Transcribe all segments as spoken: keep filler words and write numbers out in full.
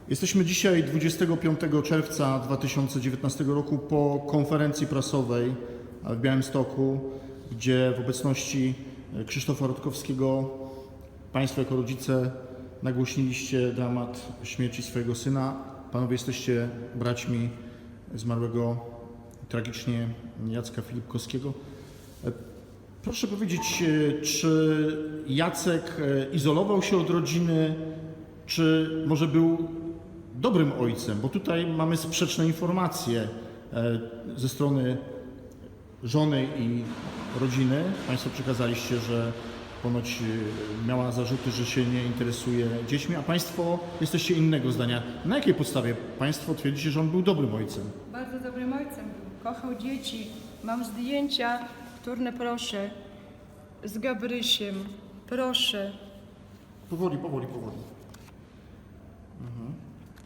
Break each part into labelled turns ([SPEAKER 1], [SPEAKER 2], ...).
[SPEAKER 1] Jesteśmy dzisiaj dwudziestego piątego czerwca dwa tysiące dziewiętnastego roku po konferencji prasowej w Białymstoku, gdzie w obecności Krzysztofa Rutkowskiego Państwo jako rodzice nagłośniliście dramat śmierci swojego syna. Panowie jesteście braćmi zmarłego tragicznie Jacka Filipkowskiego. Proszę powiedzieć, czy Jacek izolował się od rodziny, czy może był dobrym ojcem? Bo tutaj mamy sprzeczne informacje ze strony żony i rodziny. Państwo przekazaliście, że ponoć miała zarzuty, że się nie interesuje dziećmi, a Państwo jesteście innego zdania. Na jakiej podstawie Państwo twierdzicie, że on był dobrym ojcem?
[SPEAKER 2] Bardzo dobrym ojcem był. Kochał dzieci. Mam zdjęcia, które proszę, z Gabrysiem. Proszę.
[SPEAKER 1] Powoli, powoli, powoli. Mhm.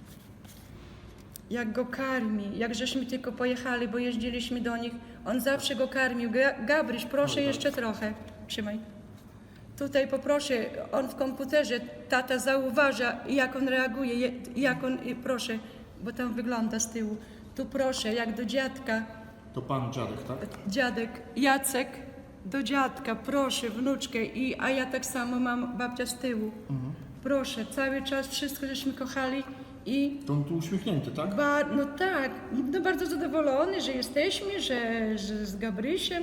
[SPEAKER 2] Jak go karmi, jak żeśmy tylko pojechali, bo jeździliśmy do nich, on zawsze go karmił. Ga- Gabryś, proszę jeszcze trochę. Trzymaj. Tutaj poproszę, on w komputerze, tata zauważa, jak on reaguje, je- jak on, i proszę, bo tam wygląda z tyłu. Tu proszę, jak do dziadka,
[SPEAKER 1] To pan dziadek, tak?
[SPEAKER 2] dziadek Jacek, do dziadka, proszę, wnuczkę, i, a ja tak samo mam babcia z tyłu.
[SPEAKER 1] Mhm.
[SPEAKER 2] Proszę, cały czas wszystko żeśmy kochali i
[SPEAKER 1] To on tu uśmiechnięty, tak?
[SPEAKER 2] ba, no tak, no bardzo zadowolony, że jesteśmy, że, że z Gabrysiem.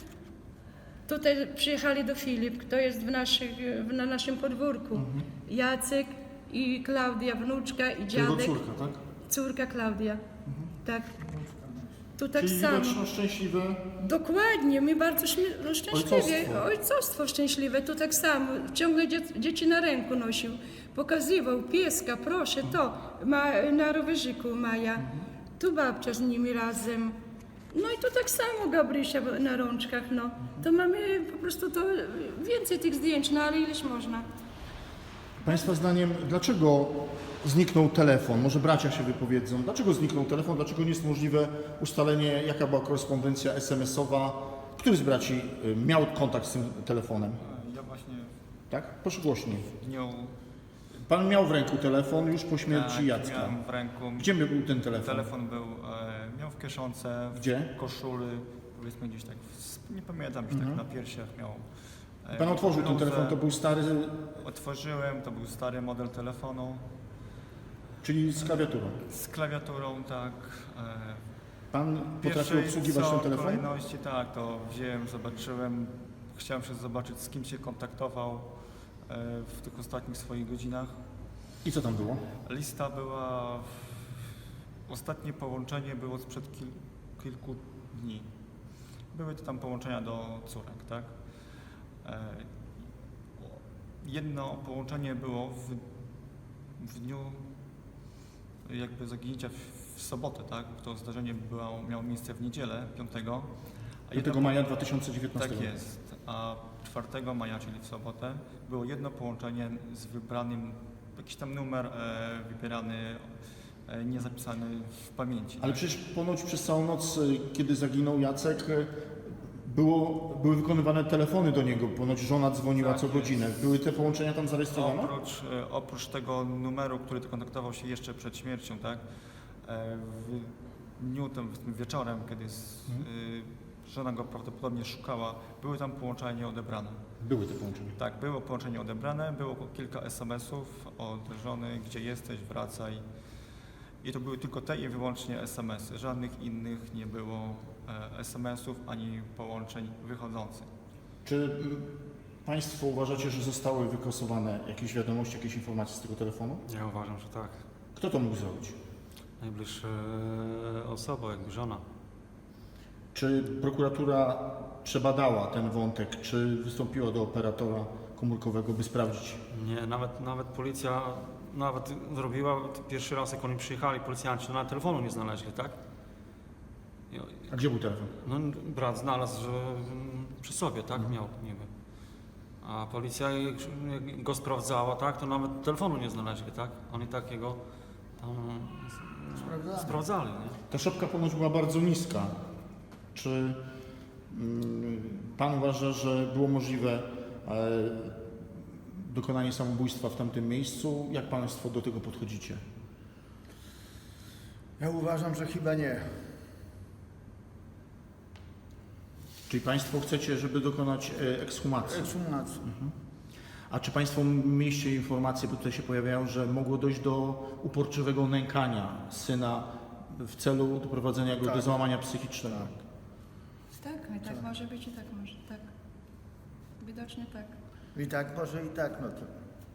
[SPEAKER 2] Tutaj przyjechali do Filip, kto jest w, naszych, w na naszym podwórku.
[SPEAKER 1] Mhm.
[SPEAKER 2] Jacek i Klaudia, wnuczka i
[SPEAKER 1] Jego
[SPEAKER 2] dziadek.
[SPEAKER 1] córka, tak?
[SPEAKER 2] Córka Klaudia. Tak. Tu tak
[SPEAKER 1] Czyli
[SPEAKER 2] samo.
[SPEAKER 1] widać no, szczęśliwe.
[SPEAKER 2] Dokładnie, my bardzo śmie- no, szczęśliwie.
[SPEAKER 1] Ojcostwo.
[SPEAKER 2] Ojcostwo szczęśliwe, tu tak samo. Ciągle dzie- dzieci na ręku nosił. Pokazywał pieska, proszę, to ma, na rowerzyku Maja. Tu babcia z nimi razem. No i tu tak samo Gabrysia na rączkach, no. To mamy po prostu to więcej tych zdjęć, no ale ileś można.
[SPEAKER 1] Państwa zdaniem, dlaczego zniknął telefon? Może bracia się wypowiedzą. Dlaczego zniknął telefon? Dlaczego nie jest możliwe ustalenie, jaka była korespondencja es em esowa? Który z braci y, miał kontakt z tym telefonem?
[SPEAKER 3] Ja właśnie
[SPEAKER 1] Tak? Proszę głośniej.
[SPEAKER 3] w dniu
[SPEAKER 1] Pan miał w ręku telefon już po śmierci
[SPEAKER 3] tak,
[SPEAKER 1] Jacka.
[SPEAKER 3] miałem w ręku.
[SPEAKER 1] Gdzie był ten telefon?
[SPEAKER 3] Telefon był, e, miał w kieszonce, w
[SPEAKER 1] Gdzie?
[SPEAKER 3] koszuli, powiedzmy gdzieś tak, w, nie pamiętam, gdzieś
[SPEAKER 1] Mhm.
[SPEAKER 3] tak na piersiach miał. e,
[SPEAKER 1] Pan otworzył ten
[SPEAKER 3] bluzę.
[SPEAKER 1] telefon, to był stary,
[SPEAKER 3] Otworzyłem, to był stary model telefonu
[SPEAKER 1] czyli z klawiaturą.
[SPEAKER 3] z klawiaturą, tak. E,
[SPEAKER 1] Pan potrafił
[SPEAKER 3] pierwszej
[SPEAKER 1] obsługiwać
[SPEAKER 3] co
[SPEAKER 1] ten telefon?
[SPEAKER 3] kolejności, tak, to wziąłem, zobaczyłem, chciałem się zobaczyć, z kim się kontaktował e, w tych ostatnich swoich godzinach.
[SPEAKER 1] I co tam było?
[SPEAKER 3] Lista była, ostatnie połączenie było sprzed kil, kilku dni. Były to tam połączenia do córek, tak? E, jedno połączenie było w, w dniu jakby zaginięcia w, w sobotę, tak? To zdarzenie było, miało miejsce w niedzielę, piątego. a jedno
[SPEAKER 1] piątego maja dwa tysiące dziewiętnastego.
[SPEAKER 3] Tak jest. A czwartego maja, czyli w sobotę, było jedno połączenie z wybranym, jakiś tam numer e, wybierany, e, niezapisany w pamięci.
[SPEAKER 1] Ale
[SPEAKER 3] tak?
[SPEAKER 1] przecież ponoć przez całą noc, y, kiedy zaginął Jacek, y, było, były wykonywane telefony do niego. Ponoć żona dzwoniła
[SPEAKER 3] Tak
[SPEAKER 1] co
[SPEAKER 3] jest.
[SPEAKER 1] godzinę. Były te połączenia tam zarejestrowane?
[SPEAKER 3] Oprócz, e, oprócz tego numeru, który kontaktował się jeszcze przed śmiercią, tak? E, w dniu tym wieczorem, kiedy s- y, żona go prawdopodobnie szukała, były tam połączenia odebrane.
[SPEAKER 1] Były te połączenia.
[SPEAKER 3] Tak, było połączenie odebrane, było kilka es em esów od żony, gdzie jesteś, wracaj. I to były tylko te i wyłącznie es em esy. Żadnych innych nie było e, es em esów ani połączeń wychodzących.
[SPEAKER 1] Czy mm, Państwo uważacie, że zostały wykasowane jakieś wiadomości, jakieś informacje z tego telefonu?
[SPEAKER 4] Ja uważam, że tak.
[SPEAKER 1] Kto to mógł zrobić?
[SPEAKER 4] Najbliższa osoba, jakby żona.
[SPEAKER 1] Czy prokuratura przebadała ten wątek? Czy wystąpiła do operatora komórkowego, by sprawdzić?
[SPEAKER 4] Nie, nawet, nawet policja nawet zrobiła pierwszy raz, jak oni przyjechali, policjanci, to nawet telefonu nie znaleźli, tak? I-
[SPEAKER 1] A gdzie był telefon?
[SPEAKER 4] No, brat znalazł że, mm, przy sobie, tak? Miał niby. A policja jak, jak go sprawdzała, tak? To nawet telefonu nie znaleźli, tak? Oni takiego tam
[SPEAKER 1] Sprawdzali.
[SPEAKER 4] sprawdzali, nie?
[SPEAKER 1] Ta szopka ponoć była bardzo niska. Czy mm, Pan uważa, że było możliwe e, dokonanie samobójstwa w tamtym miejscu? Jak Państwo do tego podchodzicie?
[SPEAKER 5] Ja uważam, że chyba nie.
[SPEAKER 1] Czyli Państwo chcecie, żeby dokonać e, ekshumacji?
[SPEAKER 5] Ekshumacji.
[SPEAKER 1] A czy Państwo mieliście informacje, bo tutaj się pojawiają, że mogło dojść do uporczywego nękania syna w celu doprowadzenia go
[SPEAKER 5] Tak.
[SPEAKER 1] do załamania psychicznego?
[SPEAKER 2] Tak, i tak może być i tak może, tak. Widocznie tak.
[SPEAKER 5] I tak może i tak, no to.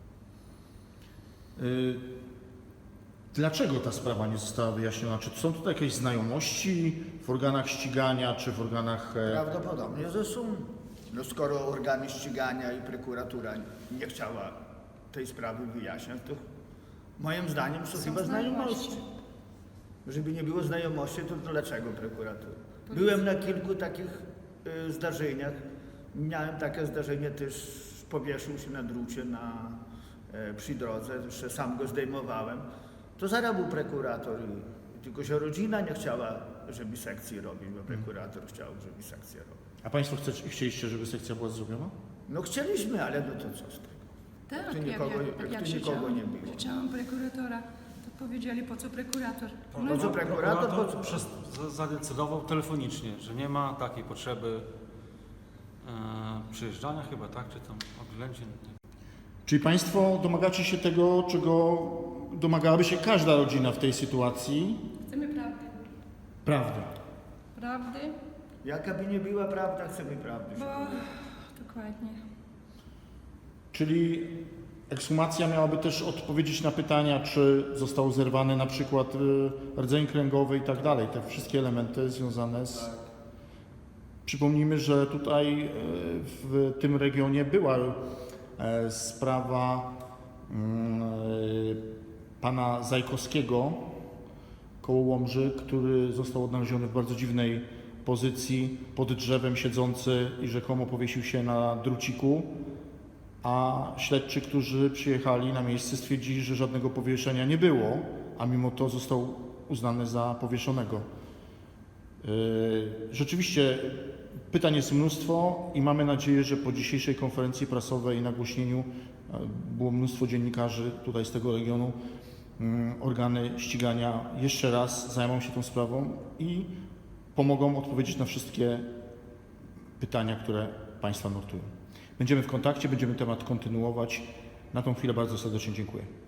[SPEAKER 1] Y, Dlaczego ta sprawa nie została wyjaśniona? Czy są tutaj jakieś znajomości w organach ścigania, czy w organach... e,
[SPEAKER 5] Prawdopodobnie ze sum. No skoro organy ścigania i prokuratura nie chciała tej sprawy wyjaśniać, to moim zdaniem są,
[SPEAKER 2] Są
[SPEAKER 5] chyba znajomości.
[SPEAKER 2] znajomości.
[SPEAKER 5] Żeby nie było znajomości, to dlaczego prokuratura? Byłem na kilku takich y, zdarzeniach. Miałem takie zdarzenie też, powieszył się na drucie na, y, przy drodze, jeszcze sam go zdejmowałem. To zaraz był prokurator, i, tylko że rodzina nie chciała, żeby sekcję robić, bo prokurator chciał, żeby sekcję robić.
[SPEAKER 1] A Państwo chce, chcieliście, żeby sekcja była zrobiona?
[SPEAKER 5] No chcieliśmy, ale no to co z tego?
[SPEAKER 2] Tak,
[SPEAKER 5] tu
[SPEAKER 2] ja,
[SPEAKER 5] nikogo-
[SPEAKER 2] ja,
[SPEAKER 5] jak
[SPEAKER 2] ja
[SPEAKER 5] tu
[SPEAKER 2] krzyczałam,
[SPEAKER 5] nikogo nie było.
[SPEAKER 2] krzyczałam prokuratora, to powiedzieli, po co prokurator?
[SPEAKER 5] Po co prokurator? Po co?
[SPEAKER 4] Przez, za- zadecydował telefonicznie, że nie ma takiej potrzeby e, przyjeżdżania chyba, tak? Czy tam oględzin.
[SPEAKER 1] Czyli Państwo domagacie się tego, czego domagałaby się każda rodzina w tej sytuacji?
[SPEAKER 2] Chcemy prawdy.
[SPEAKER 1] Prawdy.
[SPEAKER 2] Prawdy,
[SPEAKER 5] Jaka by nie była prawda, chcemy prawdy.
[SPEAKER 2] bo...
[SPEAKER 5] żeby było.
[SPEAKER 2] Dokładnie.
[SPEAKER 1] Czyli ekshumacja miałaby też odpowiedzieć na pytania, czy został zerwany na przykład y, rdzeń kręgowy i tak dalej. Te wszystkie elementy związane z... Przypomnijmy, że tutaj y, w tym regionie była y, sprawa y, pana Zajkowskiego koło Łomży, który został odnaleziony w bardzo dziwnej pozycji, pod drzewem siedzący i rzekomo powiesił się na druciku, a śledczy, którzy przyjechali na miejsce, stwierdzili, że żadnego powieszenia nie było, a mimo to został uznany za powieszonego. Yy, Rzeczywiście pytań jest mnóstwo i mamy nadzieję, że po dzisiejszej konferencji prasowej i nagłośnieniu e, było mnóstwo dziennikarzy tutaj z tego regionu. Mm, Organy ścigania jeszcze raz zajmą się tą sprawą i pomogą odpowiedzieć na wszystkie pytania, które Państwa nurtują. Będziemy w kontakcie, będziemy temat kontynuować. Na tą chwilę bardzo serdecznie dziękuję.